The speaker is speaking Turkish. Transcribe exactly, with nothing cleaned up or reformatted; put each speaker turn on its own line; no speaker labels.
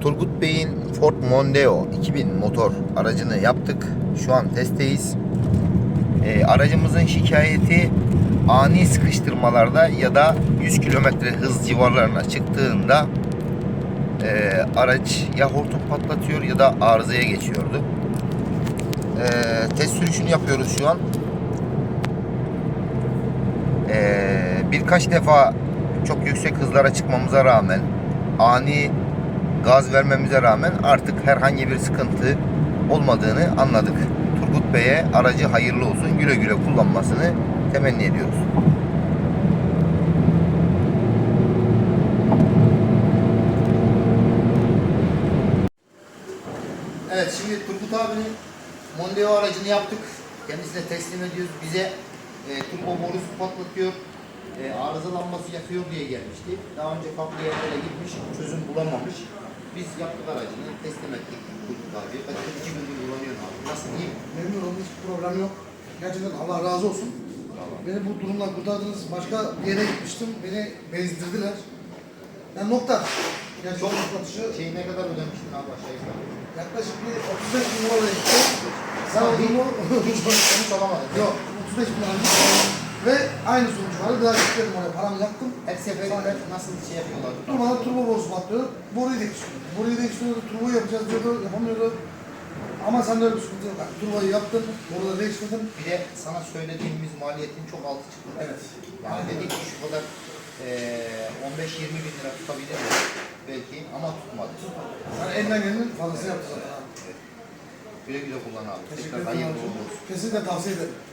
Turgut Bey'in Ford Mondeo iki bin motor aracını yaptık. Şu an testteyiz. E, aracımızın şikayeti ani sıkıştırmalarda ya da yüz kilometre hız civarlarına çıktığında e, araç ya hortum patlatıyor ya da arızaya geçiyordu. E, test sürüşünü yapıyoruz şu an. E, birkaç defa çok yüksek hızlara çıkmamıza rağmen, ani gaz vermemize rağmen artık herhangi bir sıkıntı olmadığını anladık. Turgut Bey'e aracı hayırlı olsun, güle güle kullanmasını temenni ediyoruz. Evet, şimdi Turgut abinin Mondeo aracını yaptık. Kendisine teslim ediyoruz. Bize e, turbo borusu patlatıyor, e, arızalanması yapıyor diye gelmişti. Daha önce farklı yerlere gitmiş, çözüm bulamamış. Biz yaptık aracını, teslim ettik Turgut abiye. Ben iki gündür kullanıyorum abi. Nasıl, iyi mi?
Memnun oldum, hiç problem yok. Gerçekten Allah razı olsun.
Tamam.
Beni bu durumdan kurtardınız. Başka bir yere gitmiştim, beni bezdirdiler. Yani nokta. Yani çok noktatışı.
Şeyi ne kadar ödemiştin abi aşağı yukarı?
Yaklaşık bir otuz beş bin lira gitti. Sen o durumu
Hiç sonuç alamadın.
yok, otuz beş bin lira gitti. Ve aynı sonuç vardı. Biraz gitmedim oraya, paramı yaktım.
Her seferinde nasıl şey yapıyorlar?
Durmadan turbo borusu patlıyor. Boruyu değiştiriyordu. Boruyu değiştiriyordu, turboyu yapacağız diyordu, yapamıyordu. Ama sende öyle bir sıkıntı yok. Yani turboyu yaptın, boruları değiştirdin.
Bir de sana söylediğimiz maliyetin çok altı çıktı.
Evet.
Yani dedik ki şu kadar eee on beş yirmi bin lira tutabilir mi? Belki ama tutmadı.
Yani elinden gelenin fazlasını yaptı zaten.
Güle güle kullan abi.
Teşekkür
Tekrar
ederim.
hayırlı uğurlu olsun.
Kesinlikle tavsiye ederim.